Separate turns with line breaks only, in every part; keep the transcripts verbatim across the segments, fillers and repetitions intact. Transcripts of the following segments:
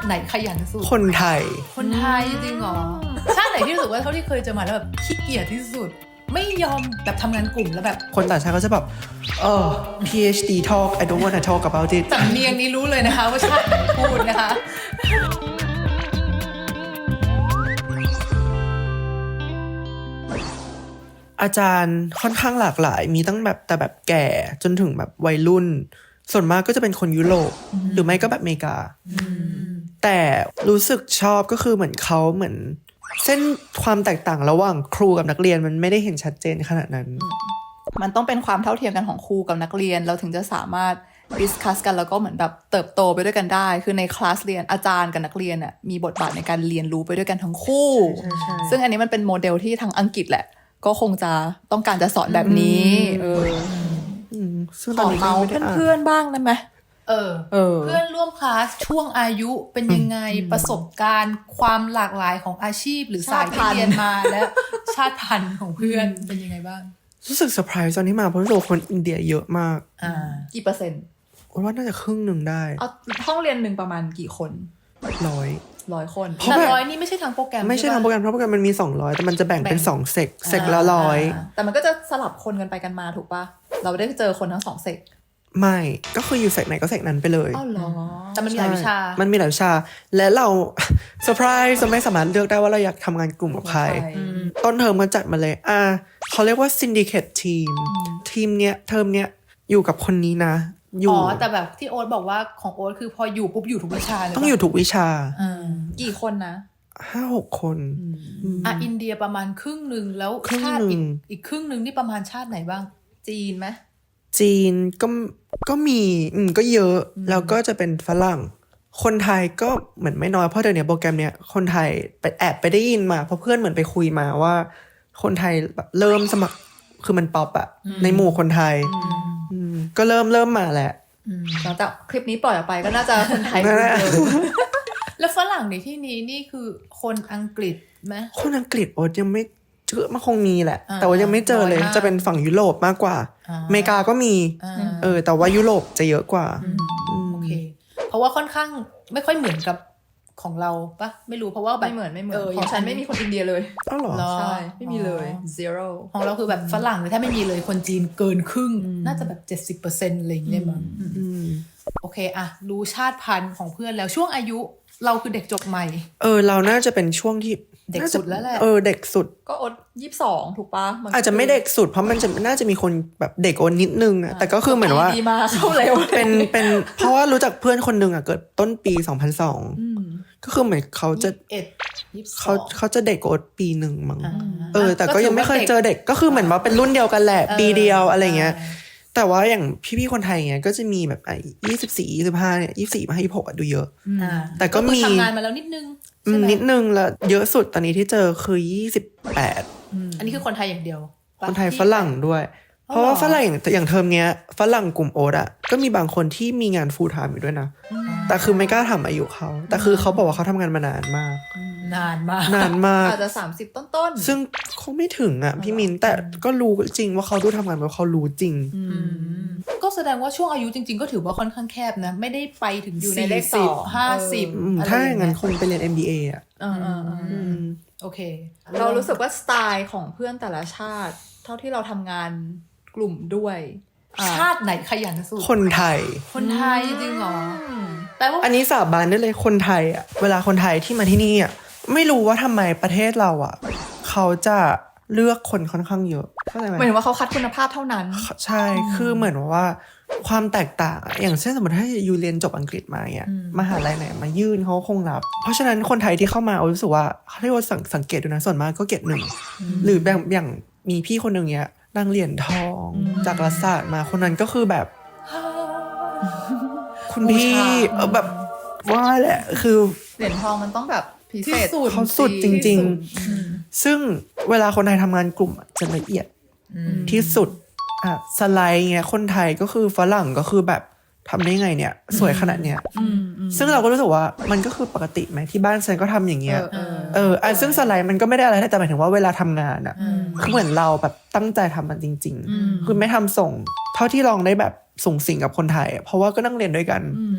ติไหนขยันสุด
คนไทย
คนไทยจริงเหรอชาติไหนที่รู้สึกว่าเท่าที่เคยเจอมาแล้วแบบขี้เกียจที่สุดไม่ยอมแบบทำงานกลุ่มแล้วแบบ
คนต่างชาติเขาจะแบบเออ พี เอช ดี talk I don't wanna talk about it
สำเนียงนี้รู้เลยนะคะว่าชาติไหนพูดนะคะ
อาจารย์ค่อนข้างหลากหลายมีตั้งแบบแต่แบบแก่จนถึงแบบวัยรุ่นส่วนมากก็จะเป็นคนยุโรปหรือไม่ก็แบบอเมริกาแต่รู้สึกชอบก็คือเหมือนเขาเหมือนเส้นความแตกต่างระหว่างครูกับนักเรียนมันไม่ได้เห็นชัดเจนขนาดนั้น
มันต้องเป็นความเท่าเทียมกันของครูกับนักเรียนเราถึงจะสามารถดิสคัสกันแล้วก็เหมือนแบบเติบโตไปด้วยกันได้คือในคลาสเรียนอาจารย์กับนักเรียนน่ะมีบทบาทในการเรียนรู้ไปด้วยกันทั้งคู่ซึ่งอันนี้มันเป็นโมเดลที่ทางอังกฤษแหละก็คงจะต้องการจะสอนแบบนี้เออขอเมาเพื่อนๆบ้างได้ไหม
เออเออเพื่อนร่วมคลาสช่วงอายุเป็นยังไงประสบการณ์ความหลากหลายของอาชีพหรือสายที่เรียนมาและชาติพันธุ์ของเพื่อนเป็นยังไงบ้าง
รู้สึกเซอร์ไพรส์ตอนที่มาเพราะรู้สึกคนอินเดียเยอะมาก
อ่า
กี่เปอร์เซ็นต์
ว่าน่าจะครึ่งหนึ่งได้
เอาห้องเรียนหนึ่งประมาณกี่คน
ร้อย
ร้อยคน
แต่ร้อยนี่ไม่ใช่ทางโปรแกรม
ไม่ใช่ทางโปรแกรมเพราะโปรแกรมมันมีสองร้อยแต่มันจะแบ่งเป็นสองเซกเซกละร้อย
แต่มันก็จะสลับคนกันไปกันมาถูกปะเราได้เจอคนทั้งสองเซก
ไม่ก็คืออยู่เซกไหนก็เซกนั้นไปเลย
อ้าวเหรอ
แต่มันมีหลายวิชา
มันมีหลายวิชาและเราเซอร์ไพรส์จะไม่สามารถเลือกได้ว่าเราอยากทำงานกลุ่มกับใครต้นเทอมก็จัดมาเลยอ่าเขาเรียกว่า syndicate team ทีมเนี้ยเทอมเนี้ยอยู่กับคนนี้นะ
อ๋อแต่แบบที่โอ๊ตบอกว่าของโอ๊ตคือพออยู่ปุ๊บอยู่ทุกวิชาเลย
ต้องอยู่ทุกวิชา
กี่คนนะ
ห้าหกคน
อ่ะอินเดียประมาณครึ่งนึงแล้วชาติอีกอีกครึ่งนึงนี่ประมาณชาติไหนบ้าง
จีนไหม
จีนก็ก็มีอืมก็เยอะแล้วก็จะเป็นฝรั่งคนไทยก็เหมือนไม่น้อยเพราะเดี๋ยวนี้โปรแกรมเนี้ยคนไทยไปแอบไปได้ยินมาเพราะเพื่อนเหมือนไปคุยมาว่าคนไทยแบบเริ่มสมัครคือมันป๊อปอะในหมู่คนไทยก็เริ่มเริ่มมาแหละ
หลังจากคลิปนี้ปล่อยออกไปก็น่าจะคนไทย
แล้วฝรั่งในที่นี้นี่คือคนอังกฤษไหม
คนอังกฤษโอ๊ตยังไม่เจอมันคงมีแหละแต่ว่ายังไม่เจอเลยจะเป็นฝั่งยุโรปมากกว่าอเมริกาก็มีเออแต่ว่ายุโรปจะเยอะกว่า
โอเคเพราะว่าค่อนข้างไม่ค่อยเหมือนกับของเราปะไม่รู้เพราะว่า
ไม่เหมือนไม่เหมือนของฉันไม่มีคนอินเดียเลย
อ้าวเหรอ
ใช่ไม่มีเลย zero
ของเราคือแบบฝรั่งเลยถ้าไม่มีเลยคนจีนเกินครึ่งน่าจะแบบ เจ็ดสิบเปอร์เซ็นต์ อะไรอย่างเงี้ยมั้งโอเคอะรู้ชาติพันธุ์ของเพื่อนแล้วช่วงอายุเราคือเด็กจบใหม่
เออเราน่าจะเป็นช่วงที่
เด็กสุดแล้วแหละ
เออเด็กสุด
ก็อดยี่สิบสองถูกปะ
อาจจะไม่เด็กสุดเพราะมันจะน่าจะมีคนแบบเด็กโอนนิดนึงอะแต่ก็คือเหมือนว่า
ดีมาเข้าเร็ว
เป็นเป็นเพราะว่ารู้จักเพื่อนคนนึงอะเกิดต้นปีสองพันสองก็คือเหมือนเขาจะเขาเขาจะเด็กโอนปีหนึ่งมั้งเออแต่ก็ยังไม่เคยเจอเด็กก็คือเหมือนว่าเป็นรุ่นเดียวกันแหละปีเดียวอะไรเงี้ยแต่ว่าอย่างพี่ๆคนไทยเงี้ยก็จะมีแบบไอ้ยี่สิบสี่ยี่สิบห้าเนี่ยยี่สิบสี่มาให้ยี่สิบหกดูเยอะแต่ก็มี
ทำงานมาแล้วนิดนึง
นิดนึงแล้วเยอะสุดตอนนี้ที่เจอคือยี่สิบแปด
อันนี้คือคนไทยอย่างเดียว
คนไทยฝรั่งด้วยเพราะว่าฝรั่งอย่างเทอมเนี้ยฝรั่งกลุ่มโอ๊ตอ่ะก็มีบางคนที่มีงาน full time อยู่ด้วยนะแต่คือไม่กล้าทำอายุเขาแต่คือเขาบอกว่าเขาทำงานมานานมาก
นานมาก
นานมาก
อาจจะสามสิบต้น
ๆซึ่งคงไม่ถึงอ่ะพี่มินแต่ก็รู้จริงว่าเขาดูทำงานเพราะเขารู้จริง
ก็แสดงว่าช่วงอายุจริงๆก็ถือว่าค่อนข้างแคบนะไม่ได้ไปถึงอยู่ในเลขสองห้าสิบ
ถ้าอย่างนั้นคงไปเรียน เอ็ม บี เอ อ่ะ
โอเค
เรารู้สึกว่าสไตล์ของเพื่อนแต่ละชาติเท่าที่เราทำงานกลุ่มด้วย
ชาติไหนขยันสุด
คนไทย
คนไทยจริงเหรอแต่ว่า
อันนี้สาบานได้เลยคนไทยอ่ะเวลาคนไทยที่มาที่นี่อ่ะไม่รู้ว่าทำไมประเทศเราอ่ะเขาจะเลือกคนค่อนข้างเยอะเข้าใจไหม
เหมือนว่าเขาคัดคุณภาพเท่านั้น
ใช่คือเหมือนว่าความแตกต่างอย่างเช่นสมมติถ้ายูเรียนจบอังกฤษมาเนี่ยมหาลัยไหนมายื่นเขาคงรับเพราะฉะนั้นคนไทยที่เข้ามารู้สึกว่าเขาเรียกว่าสังเกตดูนะส่วนมากก็เกรดหนึ่งหรือแบบอย่างมีพี่คนหนึ่งเนี้ยนั่งเหรียญทองจากรัฐศาสตร์มาคนนั้นก็คือแบบคุณพี่เออแบบว่าแหละคือ
เหรียญทองมันต้องแบบพิเศษ
เขาสุดจริงๆซึ่งเวลาคนไทยทำงานกลุ่มจะละเอียดที่สุดอ่ะสไลด์เงี้ยคนไทยก็คือฝรั่งก็คือแบบทำได้ไงเนี่ยสวยขนาดเนี้ยซึ่งเราก็รู้สึกว่ามันก็คือปกติไหมที่บ้านฉันก็ทำอย่างเงี้ยเอออ่ะซึ่งสไลด์มันก็ไม่ได้อะไรแต่หมายถึงว่าเวลาทำงานอ่ะคือเหมือนเราแบบตั้งใจทำมันจริงๆคือไม่ทำส่งเท่าที่ลองได้แบบส่งสิ่งกับคนไทยเพราะว่าก็นั่งเรียนด้วยกัน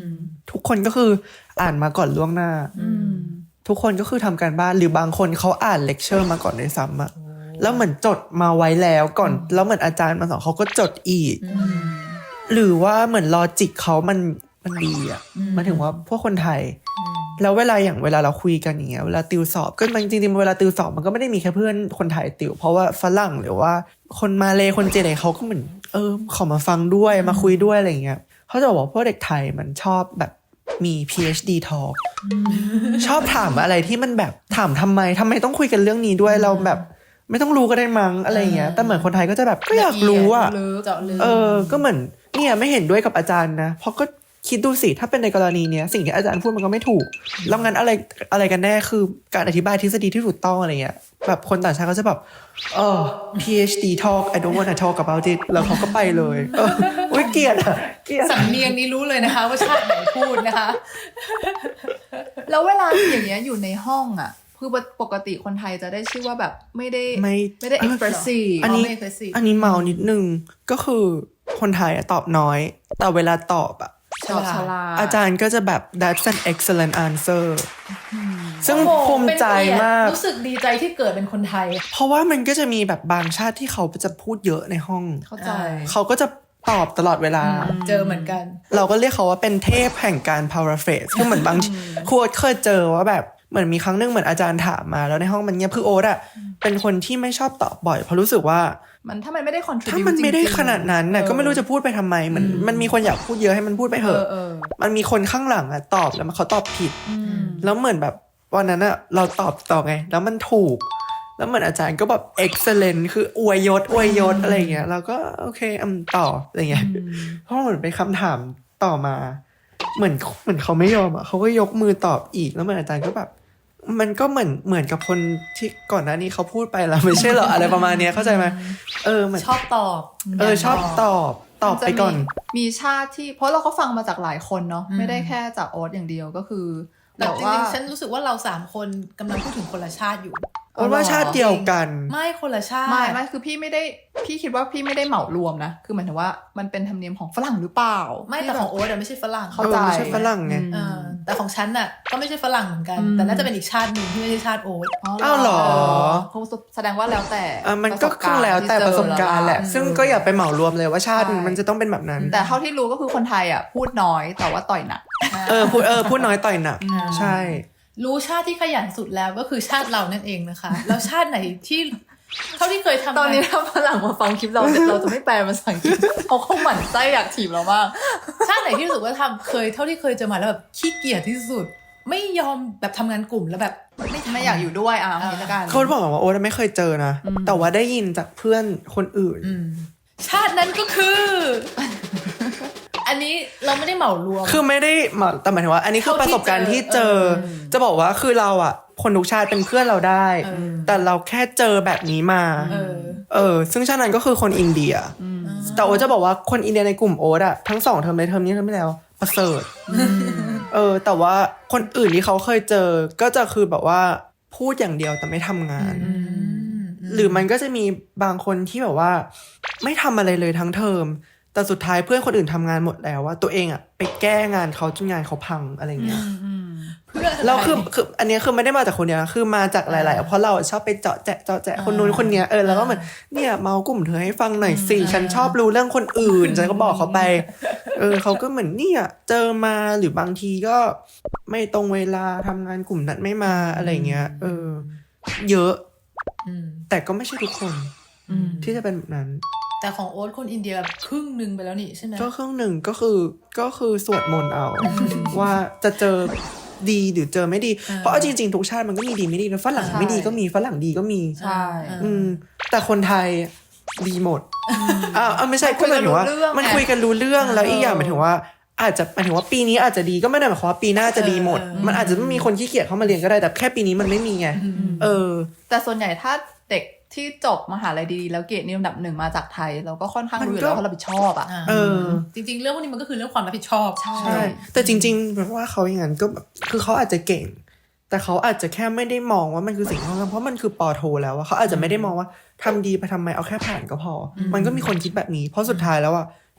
ทุกคนก็คืออ่านมาก่อนล่วงหน้าทุกคนก็คือทำการบ้านหรือบางคนเขาอ่านเลคเชอร์มาก่อนด้วยซ้ำอะแล้วเหมือนจดมาไว้แล้วก่อนแล้วเหมือนอาจารย์มาสอนเขาก็จดอีกหรือว่าเหมือนลอจิกเขามันมันดีอะหมายถึงว่าพวกคนไทยแล้วเวลาอย่างเวลาเราคุยกันอย่างเงี้ยเวลาติวสอบก็จริงๆเวลาติวสอบมันก็ไม่ได้มีแค่เพื่อนคนไทยติวเพราะว่าฝรั่งหรือว่าคนมาเลคนจีนอะไรเขาก็เหมือนเออขอมาฟังด้วยมาคุยด้วยอะไรเงี้ยเขาจะบอกว่าพวกเด็กไทยมันชอบแบบมี พี เอช ดี talk ชอบถามอะไรที่มันแบบถามทำไมทำไมต้องคุยกันเรื่องนี้ด้วยเราแบบไม่ต้องรู้ก็ได้มั้งอะไรเงี้ยแต่เหมือนคนไทยก็จะแบบก็อยากรู้อ่ะเออก็เหมือนเนี่ยไม่เห็นด้วยกับอาจารย์นะเพราะก็คิดดูสิถ้าเป็นในกรณีเนี้ยสิ่งที่อาจารย์พูดมันก็ไม่ถูกแล้วงั้นอะไรอะไรกันแน่คือการอธิบายทฤษฎีที่ถูกต้องอะไรเงี้ยแบบคนต่างชาติก็จะแบบเออ พี เอช ดี talk I don't wanna talk about it แล้วเขาก็ไปเลยเอออุ๊ยเกลียดอ่ะเกลียด
สำเนียงนี้รู้เลยนะคะว่าชาติไหนพูดนะคะ
แล้วเวลาอย่างเงี้ยอยู่ในห้องอ่ะคือปกติคนไทยจะได้ชื่อว่าแบบไม่ได้
ไม่
ไม่ได้ expressive
อันนี้
ไม่ expressive
อันนี้เมานิดนึงก็คือคนไทยอะตอบน้อยแต่เวลาตอบอะ
ชอบฉลาด
อาจารย์ก็จะแบบ that's an excellent answer ซึ่งภูมิใจมาก
รู้สึกดีใจที่เกิดเป็นคนไทย
เพราะว่ามันก็จะมีแบบบางชาติที่เขาจะพูดเยอะในห้อง
เข้าใจ
เขาก็จะตอบตลอดเวลา
เจอเหมือนกัน
เราก็เรียกเขาว่าเป็นเทพแห่งการ paraphrase คือเหมือนบางครูเคยเจอว่าแบบเหมือนมีครั้งนึงเหมือนอาจารย์ถามมาแล้วในห้องมันเงียบคือโอ๊ตอะเป็นคนที่ไม่ชอบตอบบ่อยเพราะรู้สึกว่า
มันถ้ามันไม่ได้ contribute
ถ้ามันไม่ได้
จริงๆ
ขนาดนั้นน่ะ
เออ
ก็ไม่รู้จะพูดไปทำไมเหมือนมันมีคนอยากพูดเยอะให้มันพูดไปเถอะ
เออเออ
มันมีคนข้างหลังอะตอบแล้วเขาตอบผิดแล้วเหมือนแบบวันนั้นอะเราตอบต่อไงแล้วมันถูกแล้วเหมือนอาจารย์ก็แบบ excellent คืออวยยศอวยยศอะไรเงี้ยเราก็โอเคอืมต่ออะไรเงี้ยเพราะเหมือนเป็นคำถามต่อมาเหมือนเหมือนเขาไม่ยอมอะเขาก็ยกมือตอบอีกแล้วเหมือนอาจารย์ก็แบบมันก็เหมือนเหมือนกับคนที่ก่อนหน้านี้เขาพูดไปแล้วไม่ใช่เหรอ อะไรประมาณเนี้ยเข้าใจไหมเออเหมือน
ชอบตอบ
เออชอบตอบตอบไปก่อน
มีชาติที่เพราะเราก็ฟังมาจากหลายคนเนาะไม่ได้แค่จากโอ๊ตอย่างเดียวก็คือ
แต่
แบบ
จ
ว่า
ริงๆฉันรู้สึกว่าเราสามคนกำลังพูดถึงคนละชาติอยู่
เพราะว่าชาติเดียวกัน
ไม่คนละชาติ
ไม่ไม่คือพี่ไม่ได้พี่คิดว่าพี่ไม่ได้เหมารวมนะคือหมายถึงว่ามันเป็นธรรมเนียมของฝรั่งหรือเปล่า
ไม่แต่ของโอ๊ตอะไม่ใช่ฝรั่ง
เข้าใจ
เออไม่ใช่ฝรั่งไง
เออแต่ของฉันน่ะก็ไม่ใช่ฝรั่งเหมือนกัน แต่น่าจะเป็นอีกชาติหนึ่งที่ไม่ใช่ชาติโอ๊ต
อ้าวเหรอ
เขาแสดงว่าแล้วแต่
อ่ะมันก็คงแล้วแต่ประสบการณ์แหละซึ่งก็อย่าไปเหมารวมเลยว่าชาติมันจะต้องเป็นแบบนั้น
แต่เท่าที่รู้ก็คือคนไทยอ่ะพูดน้อยแต่ว่าต่อยหนัก
เออพูดเออพูดน้อยต่อยหนักใช่
รู้ชาติที่ขยันสุดแล้วก็คือชาติเรานั่นเองนะคะ แล้วชาติไหนที่เท่าที่เคยทำ
ตอนนี้ถ้าฝรั่งมาฟังคลิปเราเราจะไม่แปลภาษาอังกฤษเขาคงหมั่นไส้อยากถีบเรามาก
ชาติไหนที่รู้สึกว่าทำเคยเท่าที่เคยเจอมาแล้วแบบขี้เกียจที่สุด ไม่ยอมแบบทำงานกลุ่มแล้วแบบไม่ทำ
ไม่อยากอยู่ด้วยอ่ะอย่างนี้ละกัน
เขาบอกว่าโอ๊ตไม่เคยเจอนะแต่ว่าได้ยินจากเพื่อนคนอื่น
ชาตินั้นก็คือ อันนี้เราไม่ได้เหมารวม
คือไม่ได้มาแต่หมายถึงว่า อันนี้คือประสบการณ์ที่เจอ จะบอกว่าคือเราอ่ะคนทุกชาติเป็นเพื่อนเราได้ แต่เราแค่เจอแบบนี้มา
เออ
เออซึ่งชาตินั้นก็คือคนอินเดียแต่โอ๊ตจะบอกว่าคนอินเดียในกลุ่มโอ๊ตอะทั้งสองเทอมเลยเทอมนี้เทอมที่แล้วประเสริฐเออแต่ว่าคนอื่นที่เขาเคยเจอก็จะคือแบบว่าพูดอย่างเดียวแต่ไม่ทำงาน หรือมันก็จะมีบางคนที่แบบว่าไม่ทำอะไรเลยทั้งเทอมแต่สุดท้ายเพื่อนคนอื่นทำงานหมดแล้วว่าตัวเองอะไปแก้งานเขาจนงานเขาพังอะไรเงี้ย
เพื่อ
แล้วคือคืออันนี้คือไม่ได้มาจากคนเดียวนะคือมาจากหลายๆเพราะเราชอบไปเจาะแจะเจาะแจะคนนู้นคนเนี้ยเออแล้วก็เหมือนเนี่ยเมากลุ่มเธอให้ฟังหน่อยสิฉันชอบรู้เรื่องคนอื่นฉันก็บอกเขาไปเออเขาก็เหมือนเนี่ยเจอมาหรือบางทีก็ไม่ตรงเวลาทำงานกลุ่มนั้นไม่มาอะไรเงี้ยเออเยอะแต่ก็ไม่ใช่ทุกคนที่จะเป็นแบบนั้น
แต่ของโอ๊ตคนอินเดียครึ่งหนึ่งไปแล้วนี่ใช่ไหม
ก็ครึ่งหนึ่งก็คือก็คือสวดมนต์เอาว่าจะเจอดีหรือเจอไม่ดีเพราะเอาจริงๆทุกชาติมันก็มีดีไม่ดีนะฝรั่งไม่ดีก็มีฝรั่งดีก็มี
ใช่
อืมแต่คนไทยดีหมดอ่าไม่ใช่ก็หมายถึงว่ามันคุยกันรู้เรื่องแล้วอีกอย่างหมายถึงว่าอาจจะหมายถึงว่าปีนี้อาจจะดีก็ไม่ได้หมายความว่าปีหน้าจะดีหมดมันอาจจะไม่มีคนขี้เกียจเข้ามาเรียนก็ได้แต่แค่ปีนี้มันไม่มีไงเออ
แต่ส่วนใหญ่ถ้าเด็กที่จบมหาลัยดีๆแล้วเกรดนี่ลำดับหนึ่งมาจากไทยเราก็ค่อนข้างรู้อยู่แล้วว่าเรารับผิดชอบอ่ะ
เออ
จริงๆเรื่องพวกนี้มันก็คือเรื่องความรับผิดชอบ
ใช่
ใช่แต่จริงๆแบบว่าเขาอย่างนั้นก็คือเขาอาจจะเก่งแต่เขาอาจจะแค่ไม่ได้มองว่ามันคือสิ่งที่เขาทำเพราะมันคือปอโทแล้วอะเขาอาจจะไม่ได้มองว่าทำดีไปทำไมเอาแค่ผ่านก็พอมันก็มีคนคิดแบบนี้เพราะสุดท้ายแล้วอะ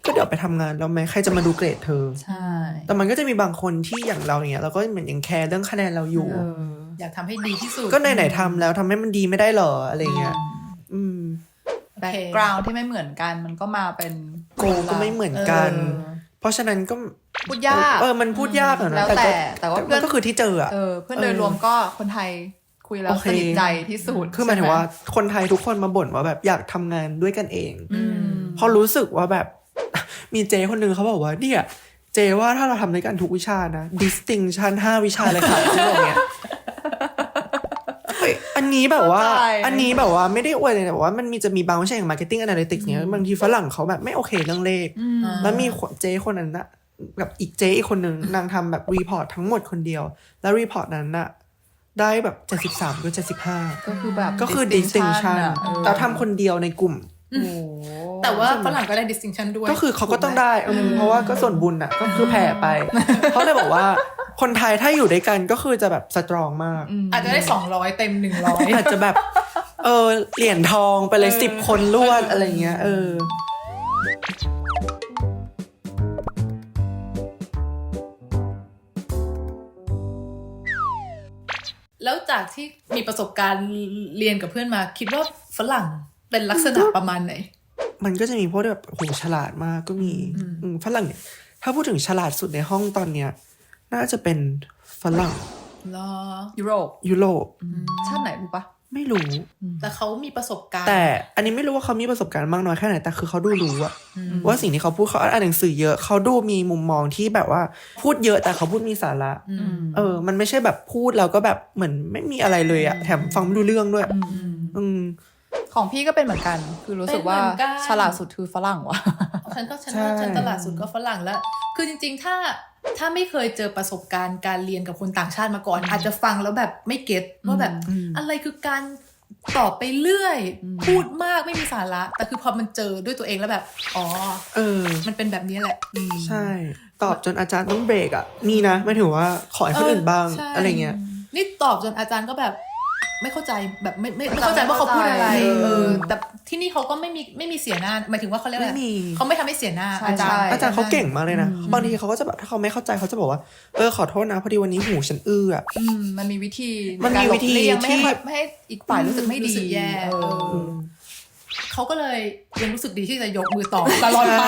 ก็เดี๋ยวไปทำงานแล้วไหมใครจะมาดูเกรดเธอ
ใช่
แต่มันก็จะมีบางคนที่อย่างเราอย่างเงี้ยเราก็เหมือนยังแคร์เรื่องคะแนนเราอยู่
เออ
อยากทำให้ดีที่สุด
ก็ไหนๆทำแล้วทำให้มันดีไม่ได้หรออะไรเงี้ยอืม
แบ็กกราวด์ที่ไม่เหมือนกันมันก็มาเป็น
โกก็ไม่เหมือนกัน เพราะฉะนั้นก็
พูดยาก
เออมันพูดยากอะนะ
แล้วแต่แต่ว่าเพื่อน
ก็คือที่เจออะ
เออเพื่อนโดยรวมก็คนไทยคุยแล้ว
โอเค
สนิทใจที่สุด
คือหมายถึงว่า
ใช่ไ
คนไทยทุกคนมาบ่นว่าแบบอยากทำงานด้วยกันเอง
อืม
เพราะรู้สึกว่าแบบ มีเจคนหนึ่งเขาบอกว่าเนี่ยเจว่าถ้าเราทำด้วยกันทุกวิชานะ distinction ห้าวิชาเลยค่ะที่บอกเนี้ยเฮ้ยอันนี้แบบว่า
เข้าใจ
อันนี้แบบว่าไม่ได้อวยเลยแต่ว่ามันมีจะมีบางวิชาอย่าง marketing analytics เนี้ยบางทีฝรั่งเขาแบบไม่โอเคเรื่องเลข แล้วมีเจคนนั้นนะกับอีกเจอีกคนหนึ่งนางทำแบบรีพอร์ตทั้งหมดคนเดียว แล้วรีพอร์ตนั้นน่ะได้แบบเจ็ดสิบสามก็เจ็ดสิบห้า
ก็คือแบบ
ก็คือ distinction
อะเออ
แต่ทำคนเดียวในกลุ่ม
โอ้โห
แต่ว่าฝรั่งก็ได้ distinction ด้วย
ก็คือเขาก็ต้องได้อืมเพราะว่าก็ส่วนบุญอ่ะก็คือแผ่ไป เขาเลยบอกว่าคนไทยถ้าอยู่ด้วยกันก็คือจะแบบสตรองมาก
อาจจะได้สองร้อยเต็มหนึ่งร้อย
อาจจะแบบ เออเหรียญทองไปเลยสิบคนรวดอะไรเงี้ยเออ
แล้วจากที่มีประสบการณ์เรียนกับเพื่อนมา คิดว่าฝรั่งเป็นลักษณะประมาณไหน
มันก็จะมีพวกที่แบบโหฉลาดมากก็มีอืมฝรั่งเนี่ยถ้าพูดถึงฉลาดสุดในห้องตอนเนี้ยน่าจะเป็นฝรั่ง
เหรอ
ยุโรป
ยุโรป
ชาติไหนรู้ปะ
ไม่รู้
แต่เขามีประสบการณ์
แต่อันนี้ไม่รู้ว่าเขามีประสบการณ์มากน้อยแค่ไหนแต่คือเขาดูรู้อะว่าสิ่งที่เขาพูดเขาอ่านหนังสือเยอะเขาดูมีมุมมองที่แบบว่าพูดเยอะแต่เขาพูดมีสาระเออ มันไม่ใช่แบบพูดแล้วก็แบบเหมือนไม่มีอะไรเลยอะแถมฟังไม่รู้เรื่องด้วยอืม
ของพี่ก็เป็นเหมือนกัน คือรู้สึกว่า
เป็นเหมือนกัน
ฉลาดสุดคือฝรั่งว่ะ
ฉันก็ฉัน
ใช่
ว่าฉันตลาดสุดก็ฝรั่งแล้ว คือจริงๆ ถ้าถ้าไม่เคยเจอประสบการณ์การเรียนกับคนต่างชาติมาก่อน อาจจะฟังแล้วแบบไม่เก็ตว่าแบบอะไรคือการตอบไปเรื่อย พูดมากไม่มีสาระ แต่คือพอมันเจอด้วยตัวเองแล้วแบบ อ๋อ
เออ
มันเป็นแบบนี้แหละ
ใช่ ตอบจนอาจารย์ต้องเบรกอ่ะมีนะไม่ถือว่าขอให้คนอื่นบ้าง
ใช่
อะไรเงี้ย
นี่ตอบจนอาจารย์ก็แบบไม่เข้าใจแบบไม่ไม่ไม่เข้าใจว่าเขาพูดอะไร
ไม่เข้าใจ
เออแต่ที่นี่เขาก็ไม่มีไม่มีเสียหน้าหมายถึงว่าเขาเรียกอะไร
ไม่มี
เขาไม่ทำให้เสียหน้า
ใช่
อาจารย์
ใช่
อาจารย์เขาเก่งมากเลยนะบางทีเขาก็จะแบบถ้าเขาไม่เข้าใจเขาจะบอกว่าเออขอโทษนะพอดีวันนี้หูฉันอื้ออ่ะ
อืมมันมีวิธี
มันมีวิธี
ในการหลบเลี่ยงไม่ให้
ที่
ไม่ให้อีกฝ่ายรู้สึกไม่ดี
รู้สึกแย่
เออ
เออ เขาก็เลยยังรู้สึกดีที่จะยกมือตอบตลอดไป
ใช่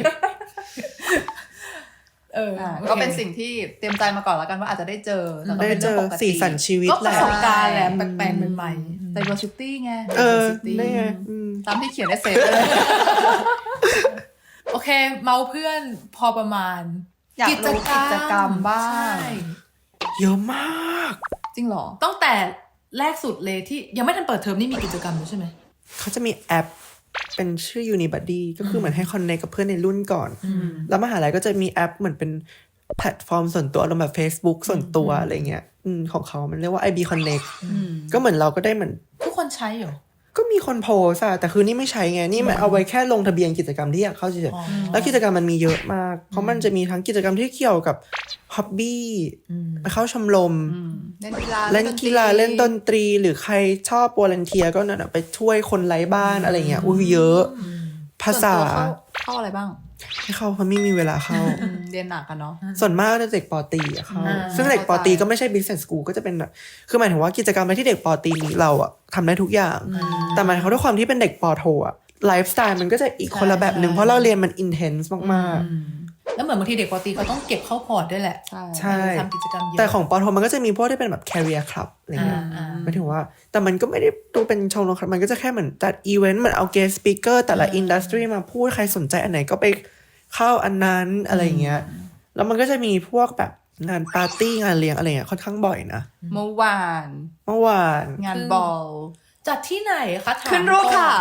เออ
อ่า
โอค
ก็เป็นสิ่งที่เตรียมใจมาก่อนแล้วกันว่าอาจจะได้เจอแต่ก็
ได้
เป็น
เจ
เรื่อง
อ
ปกติ
สีสันชีวิต
ก็
แห
ประ
ละ
สบการณ์แหละแปลกๆใหม่ๆ
diversity ไง
เออ
diversity
ได้ไงอืม
ตามที่เขียนในเซฟเลย
โอเค เมาเพื่อนพอประมาณ
อยากรู้กิจกรรมบ้าง
ใช่
เยอะมาก
จริงเหรอ
ตั้งแต่แรกสุดเลยที่ยังไม่ทันเปิดเทอมนี่มีกิจกรรมอยู่ใช่ไหม
เขาจะมีแอปเป็นชื่อ Unibuddy ก็คือเหมือนให้คอนเนคกับเพื่อนในรุ่นก่อน แล้วมหาลัยก็จะมีแอปเหมือนเป็นแพลตฟอร์มส่วนตัวอารมณ์แบบ Facebook ส่วนตัวอะไรเงี้ยอืมของเขามันเรียกว่า ไอ บี Connect ก็เหมือนเราก็ได้เหมือน
ทุกคนใช้เหรอ
ก็มีคนโพสอะแต่คือนี่ไม่ใช้ไง นี่มันเอาไว้แค่ลงทะเบียนกิจกรรมที่อยากเข้าเฉย
อ๋อ
ๆแล้วกิจกรรมมันมีเยอะมาก เพราะมันจะมีทั้งกิจกรรมที่เกี่ยวกับฮ็อบบี้ไปเข้าชมรม
เล่นกีฬา
เล่นกีฬาเล่นดนตรีหรือใครชอบวอลันเทียก็นั่นนะไปช่วยคนไร้บ้านอะไรเงี้ยอุ้ยเยอะ ภาษา
ส่วนตัวเข้เข้าอะไรบ้าง
ให้เข้าเพราะไม่มีเวลาเข้า
อืมเรียนหนักกันเนาะ
ส่วนมากจะเด็กปอตรีอะเข้า
อ่า
ซึ่งเด็กปอตรีก็ไม่ใช่ business school ก็จะเป็นแบบคือหมายถึงว่ากิจกรรมอะไรที่เด็กปอตรีมีเราอะทำได้ทุกอย่าง แต่หมายถึงว่าด้วยความที่เป็นเด็กปอโทอะไลฟ์สไตล์มันก็จะอีกคนละแบบหนึ่งเพราะเราเรียนมัน intense มากๆ
แล้วเหมือนบางทีเด็กปกติเขาต้องเก็บเข้าพอร์ตด้วยแหละ
ใช่
ใช่
ทำกิจกรรมเยอะ
แต่ของปอโทมันก็จะมีพวกที่เป็นแบบ career club อะไรเงี้ย
อ่าๆ
หมายถึงว่า แต่มันก็ไม่ได้ดูเป็นชมรมครับมันก็จะแค่เหมือนจัดอีเวนต์เหมือนเอา guest speaker แต่ละ industry มาพูดใครสนใจอันไหนก็ไปเข้าอันนั้นอะไรเงี้ยแล้วมันก็จะมีพวกแบบงานปาร์ตี้งานเลี้ยงอะไรเงี้ยค่อนข้างบ่อยนะ
เมื่อวาน
เมื่อวาน
งานบอล
จัดที่ไหนคะถาม
ขึ้นรูปค่ะ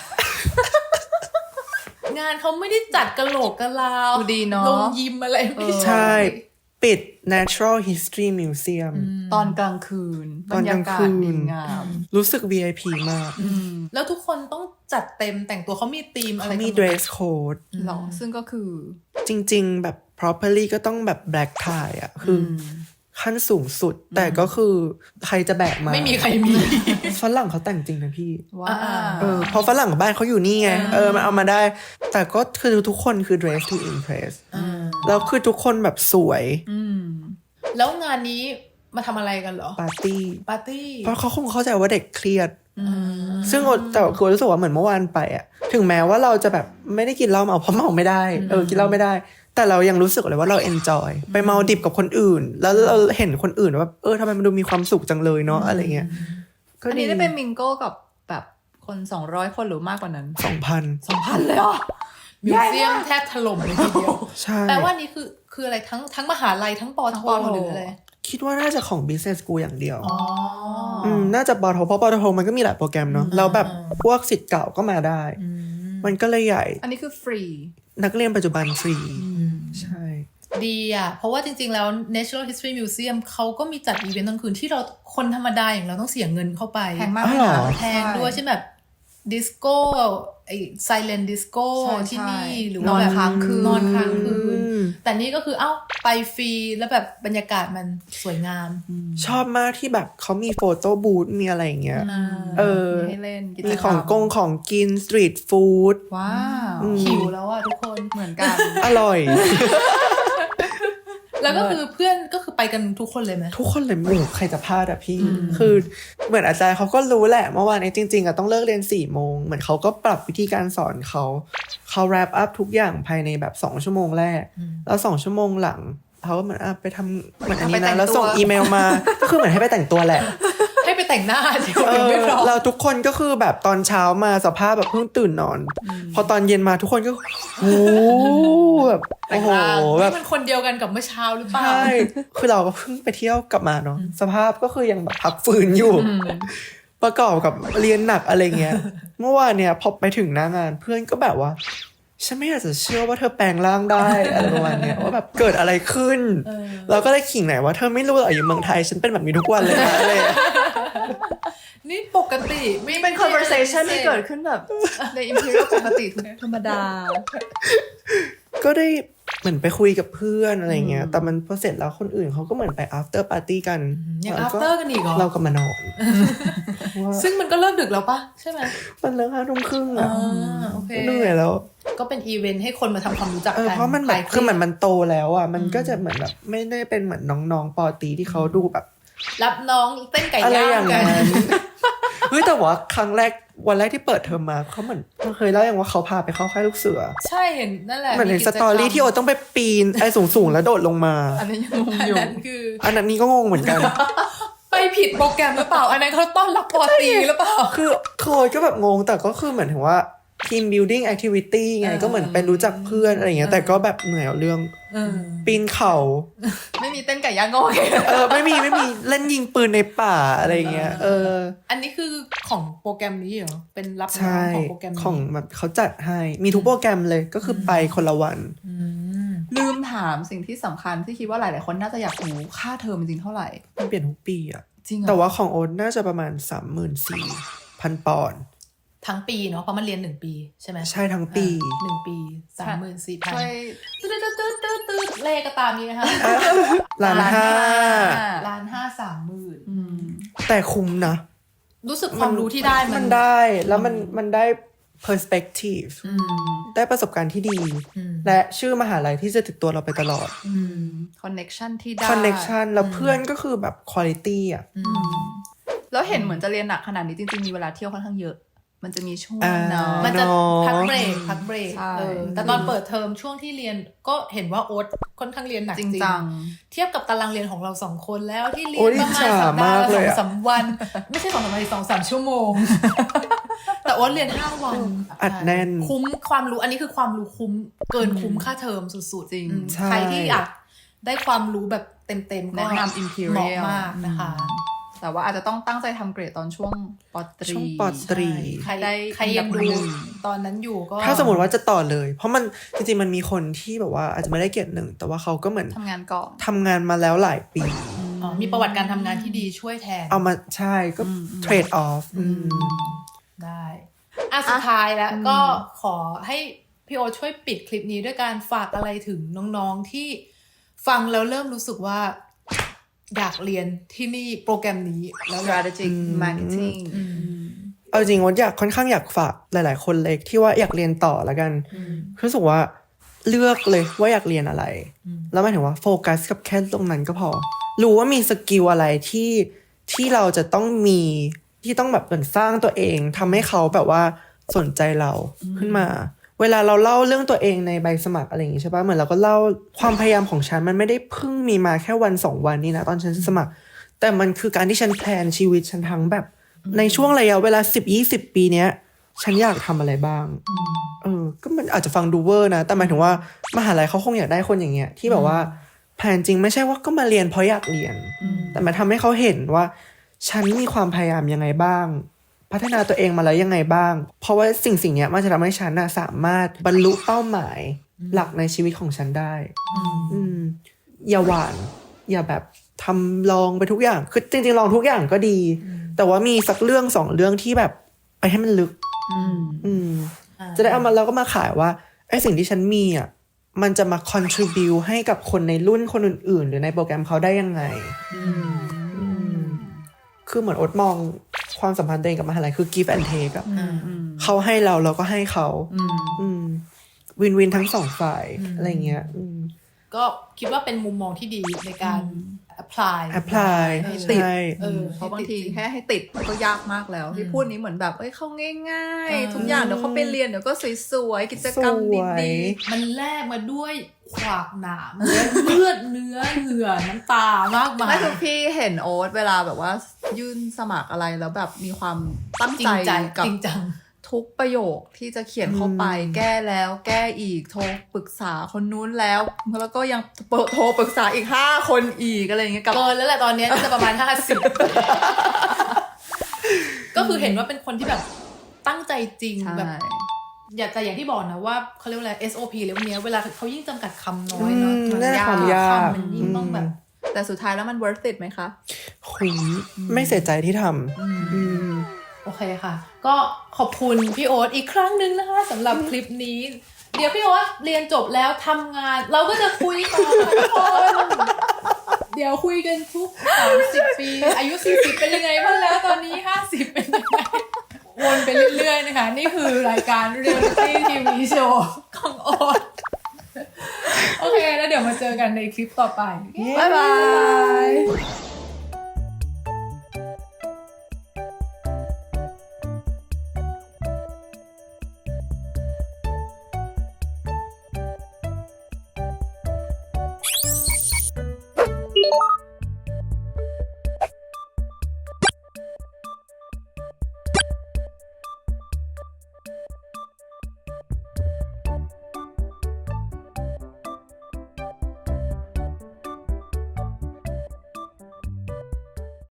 งานเขาไม่ได้จัดกะโหลกกะลาว
ดูดีเนอะ
ลงยิมอะไรไม่
ใช่ ปิด Natural History Museum
ตอนกลางคืน
ตอนกลางคืน
บรรยากาศดีงาม
รู้สึก วี ไอ พี มาก
แล้วทุกคนต้องจัดเต็มแต่งตัวเขามีธีมอะไร
เขามี
กันหด
dress code
หรอซึ่งก็คือ
จริงๆ แบบ properly ก็ต้องแบบ black tie อ่ะ คืออขั้นสูงสุดแต่ก็คือใครจะแบกมา
ไม่มีใครมี
ฝรั่งเขาแต่งจริงนะพี่
ว้า
เออเพราะฝรั่งบ้านเขาอยู่นี่ไงเออมันเอามาได้ แต่ก็คือทุกคนคือ dress to impress แล้วคือทุกคนแบบสวย
แล้วงานนี้มาทำอะไรกันเหรอ
ปาร์ตี้
ปาร์ตี้
เพราะเขาคงเข้าใจว่าเด็กเครียดซึ่งแต่คือรู้สึกว่าเหมือนเมื่อวานไปอะถึงแม้ว่าเราจะแบบไม่ได้กินเหล้าเมาเพราะเมาไม่ได้เออกินเหล้าไม่ได้แต่เรายังรู้สึกเลยว่าเราเอนจอยไปเมาดิบกับคนอื่นแล้วเราเห็นคนอื่นว่าเออทำไมมันดูมีความสุขจังเลยเนาะอะไรเงี้ยก็
อันนี้ได้เป็นมิงโก้กับแบบคนสองร้อยคนหรือมากกว่านั้น
สองพัน
สองพันเลยเหรอ
มิวเซียมแทบถล่มเลยทีเดียว
ใช่
แปลว่านี่คือคืออะไรทั้งทั้งมหาลัยทั้งปอโท
ทั้งปอโท
หรืออะไร
คิดว่าน่าจะของ business school อย่างเดียว
อ๋อ
อืมน่าจะปอโทเพราะปอโทมันก็มีหลายโปรแกรมเนาะแล้วแบบพวกศิษย์เก่าก็มาได้ มันก็เลยใหญ่
อันนี้คือฟรี
นักเรียนปัจจุบันฟรีใช่
ดีอ่ะ เพราะว่าจริงๆ แล้ว Natural History Museum เขาก็มีจัดอีเวนต์กลางคืนที่เราคนธรรมดาอย่างเราต้องเสียเงินเข้าไป
แพงมาก
อ๋อ
เลย
เหรอ
นะ
แพงด้วยใช่นแบบดิสโก้ไอ้ไซเลนดิสโก้
ใช่
ที่นี่
ใช่
หรือ
น
ว่า
อน
แบบ
ค้างคืน
นอนค้างคืน
อืม
แต่นี่ก็คือเอ้าไปฟรีแล้วแบบบรรยากาศมันสวยงาม
ชอบมากที่แบบเขามีโฟโต้บูธมีอะไรอย่างเงี้ย เออ
มีให้เล่นกิจกรร
มีของกงของกินสตรีทฟู้ด
ว้าว
หิวแล้วอ่ะทุกคน
เหมือนกัน
อร่อย
แล้วก็คือเพื่อนก็คือไปกันทุกคนเลยไหม
ทุกคนเลยหมู่ใครจะพลาดอะพี่ คือเหมือนอาจารย์เขาก็รู้แหละเมื่อวานนี้จริงๆอะต้องเลิกเรียนสี่โมงเหมือนเขาก็ปรับวิธีการสอนเขาเขา wrap up ทุกอย่างภายในแบบสองชั่วโมงแรก แล้วสองชั่วโมงหลังเขาก็เหมือนอ่ะไปทำเหมือนอันนี้
ไปแต่
นะ
ง
แล้วส่ง
ตัว
อีเมลมา ก็คือเหมือนให้ไปแต่งตัวแหละ
ให้ไปแต่งหน้าเดี๋ยว
เอ
ยัง
อ
ไม่พร้อม
เราทุกคนก็คือแบบตอนเช้ามาสภาพแบบเพิ่งตื่นนอน พอตอนเย็นมาทุกคนก็โอ้แบบโอ้โหแบ
นี่
บ
มันคนเดียวกันกับเมื่อเช้าหรือเปล่า
ใช่ คือเราก็เพิ่งไปเที่ยวกลับมาเนาะ สภาพก็คือยังแบบพักฟื้นอยู่ ประกอบกับเรียนหนักอะไรเงี้ย เมื่อวานเนี่ยพอไปถึงหน้างานเพื่อนก็แบบว่า ฉันไม่อยากจะเชื่อว่าเธอแปลงร่างได้ อะไรประมาณเนี้ยว่าแบบเกิดอะไรขึ้น เราก็เลยขิงไหนว่าเธอไม่รู้หรอกอยู่เมืองไทยฉันเป็นแบบนี้ทุกวันเลยนะอะไร
นี่ปกติไม่
เป็น conversation ที่เกิดขึ้นแบบใน Imperial ปกติธรรมดา
ก็ได้เหมือนไปคุยกับเพื่อนอะไรเงี้ย แต่มันพอเสร็จแล้วคนอื่นเขาก็เหมือนไป after party กัน
ยัง
แล้ว
after กันอีกเหรอ
เราก็มานอน
ซึ่งมันก็เลิกดึกแล้วปะใช่ไหม
มันเลิกห้าทุ่มครึ่ง
อ่า
อะ
โอเค
เหนื่อยแล้ว
ก็เป็นอีเวนต์ให้คนมาทำความรู้จัก
เออ
กัน
เพราะมันแบบ
ลาย
คือเหมือนมันโตแล้วอ่ะมันก็จะเหมือนแบบไม่ได้เป็นเหมือนน้องๆปอตีที่เขาดูแบบ
รับน้องเต้นไก่
อะไร
ย่า
อย่าง ง
กัน
นั้นเฮ้ยแต่ว่าครั้งแรกวันแรกที่เปิดเทอมมาเขาเหมือนเราเคยเล่าอย่างว่าเขาพาไปเข้าค่ายลูกเสือ
ใช่เห็นนั่นแหละ
เหมือนใน
กิ
ส
จก
ตอรี่ที่โอต้องไปปีนไอ้สูงๆแล้วโดดลงมา
อันนี้ยังงง
อัน
อยู่
นั้นคือ
อันนั้นนี่ก็งงเหมือนกัน
ไปผิดโปรแกรมหรือเปล่า อันนั้นเขาต้อนรับปอตีหรือเปล่า
คือเคยก็แบบงงแต่ก็คือเหมือนถึงว่า team building activity ไง
เออ
ก็เหมือนไปรู้จักเพื่อนอะไรอย่างเงี้ยแต่ก็แบบเหนื่อยเอาเรื่อง
เออ
ปีนเขา
ไม่มีเต้นไก่ย่างก็โอเค
เออไม่มีไม่มีเล่นยิงปืนในป่าอะไรอย่างเงี้ยเออ
อันนี้คือของโปรแกรมนี้เหรอ เป็นรับน้อ
ใช่
งของโปรแกรมนี้
ของแบบเขาจัดให้มีทุกโปรแกรมเลยก็คือไปคนละวัน
ลืมถามสิ่งที่สำคัญที่คิดว่าหลายๆคนน่าจะอยากรู้ค่าเทอมจริงๆเท่าไหร่
มันเปลี่ยนทุกปีอะ
จริงเหรอ
แต่ว่าของโอ๊ตน่าจะประมาณสามหมื่นสี่พันปอนด์
ทั้งปีเนาะเพราะมันเรียนหนึ่งปีใช่ไหม
ใช่ทั้งปี
อ่าหนึ่งปีสามหมื่นสี่พัน
ช่วย
ตืดตืดตืดตืดตืดเลขก็ตามนี้นะคะ
ล้านห้า
ล้านห้าสามหมื่น
อืม
แต่คุ้มนะ
รู้สึกความรู้ที่ได้มั
มัน นได้แล้วมันมันได้ perspective ได้ประสบการณ์ที่ดี และชื่อมหาลัยที่จะติดตัวเราไปตลอด
คอนเน็กชันที่ได้
connection แล้วเพื่อนก็คือแบบ quality อ่ะ
แล้วเห็นเหมือนจะเรียนหนักขนาดนี้จริงๆมีเวลาเที่ยวค่อนข้างเยอะ มันจะมีช่วง
อ่า
เนาะ
มันจะ
เนาะ
พักเบรกพักเบรก
ใช่
เออแต่ตอนเปิดเทอมช่วงที่เรียนก็เห็นว่าโอ๊ตค่อนข้างเรียนหนัก
จ
จ
ริ
ริ
ง
ง
จัง
เทียบกับตารางเรียนของเราสองคนแล้วที่เรีย
โอ้
น
ย
ประมาณ
อิจฉา
สัปดาห์
มาก
ละ
เล
สอย ง
อะ
สามวัน ไม่ใช่สองสามวันสองสามชั่วโมง แต่โอ๊ตเรียนห้าวัน
อัดแน่น
คุ้มความรู้อันนี้คือความรู้คุ้มเกินคุ้มค่าเทอมสุดๆ
จริง
อืม
ใช่
ใครที่อยากได้ความรู้แบบเต็มๆก็
แนะนำ
เหมาะ
Imperial
มากนะคะ
แต่ว่าอาจจะต้องตั้งใจทำเกรดตอนช่วงปตรี
ช่วงปอตรี
ใคร
ได้
ใครยังดู
อันดับหนึ่ง
ตอนนั้นอยู่ก็
ถ้าสมมติว่าจะต่อเลย เพราะมันจริงๆมันมีคนที่แบบว่าอาจจะไม่ได้เกรดหนึ่งแต่ว่าเขาก็เหมือน
ทำงานก่อน
ทำงานมาแล้วหลายปี
อ๋อมีประวัติการทำงานที่ดีช่วยแทน
เอามาใช่ก็ trade off อืม
ได้อ่ะสุดท้ายแล้วก็ขอให้พี่โอช่วยปิดคลิปนี้ด้วยการฝากอะไรถึงน้องๆที่ฟังแล้วเริ่มรู้สึกว่าอยากเรียนที่นี่โปรแกรมนี้แล้วแบบ
strategic marketing
เอาจริงว่าอยากค่อนข้างอยากฝากหลายๆคนเลยที่ว่าอยากเรียนต่อแล้วกันรู้สึกว่าเลือกเลยว่าอยากเรียนอะไรแล้วหมายถึงว่าโฟกัสกับแค่ตรงนั้นก็พอรู้ว่ามีสกิลอะไรที่ที่เราจะต้องมีที่ต้องแบบเหมือนสร้างตัวเองทำให้เขาแบบว่าสนใจเราขึ้นมาเวลาเราเล่าเรื่องตัวเองในใบสมัครอะไรอย่างงี้ใช่ปะเหมือนเราก็เล่าความพยายามของฉันมันไม่ได้เพิ่งมีมาแค่วันสองวันนี้นะตอนฉันสมัครแต่มันคือการที่ฉันแพลนชีวิตฉันทั้งแบบในช่วงระยะเวลาสิบยี่สิบปีเนี้ยฉันอยากทำอะไรบ้างเออก็มันอาจจะฟังดูเวอร์นะแต่หมายถึงว่ามหาลัยเขาคงอยากได้คนอย่างเงี้ยที่แบบว่าแพลนจริงไม่ใช่ว่าก็มาเรียนเพราะอยากเรียนแต่มาทำให้เขาเห็นว่าฉันมีความพยายามยังไงบ้างพัฒนาตัวเองมาแล้วยังไงบ้างเพราะว่าสิ่งสิ่งนี้มันจะทำให้ฉันนะสามารถบรรลุเป้าหมายหลักในชีวิตของฉันได้อืมอย่าหวานอย่าแบบทำลองไปทุกอย่างคือจริงๆลองทุกอย่างก็ดีแต่ว่ามีสักเรื่องสองเรื่องที่แบบไปให้มันลึกอืมจะได้เอามาแล้วก็มาขายว่าไอ้สิ่งที่ฉันมีอ่ะมันจะมา contribute ให้กับคนในรุ่นคนอื่นๆหรือในโปรแกรมเขาได้ยังไงคือเหมือนโอ๊ตมองความสัมพันธ์ตัวเองกับมหาลัยคือ give and take อะเขาให้เราเราก็ให้เขาวินวินทั้งสองฝ่ายอะไรเงี้ย
ก็คิดว่าเป็นมุมมองที่ดีในการ apply
apply
ให้ติด
ใช่
เออเพราะบางทีแค่ให้ติดมันก็ยากมากแล้วที่พูดนี้เหมืมือนแบบเอ้ยเข้าง่ายๆทุกอย่างเดี๋ยวเขาไปเรียนเดี๋ยวก็สวยๆกิจกรรมดี
ๆมันแลกมาด้วยขวากหนามเลือดเนื้อเหงื่อน้ำตามากมาย
ไม่ทุกพี่เห็นโอ๊ตเวลาแบบว่ายื่นสมัครอะไรแล้วแบบมีความตั้งใจกับ
จริงจัง
ทุกประโยคที่จะเขียนเข้าไปแก้แล้วแก้อีกโทรปรึกษาคนนู้นแล้วแล้วก็ยังโทรปรึกษาอีกห้าคนอีกอะไรอย่างเงี้ย
เกินแล้วแหละตอนนี้จะประมาณห้าสิบก็คือเห็นว่าเป็นคนที่แบบตั้งใจจริงแบบอย่าแต่อย่างที่บอกนะว่าเขาเรียกว่าอะไร เอส โอ พี เรื่องนี้เวลาเขายิ่งจำกัดคำน้อยเนาะ
มันยากคำ
มันยิ่งต้องแบบ
แต่สุดท้ายแล้วมัน worth it ไหมคะ
คุยไม่เสียใจที่ทำ
โอเคค่ะก็ขอบคุณพี่โอ๊ตอีกครั้งนึงนะคะสำหรับคลิปนี้เดี๋ยวพี่โอ๊ตเรียนจบแล้วทำงานเราก็จะคุยต่อทุกคนเดี๋ยวคุยกันทุกสามสิบปีอายุสี่สิบเป็นยังไงบ้างแล้วตอนนี้ห้าสิบเป็นยังไงวนไปเรื่อยๆนะคะนี่คือรายการ Reality ที วี Show ของโอ๊ตโอเคแล้วเดี๋ยวมาเจอกันในคลิปต่อไป
บ๊ายบาย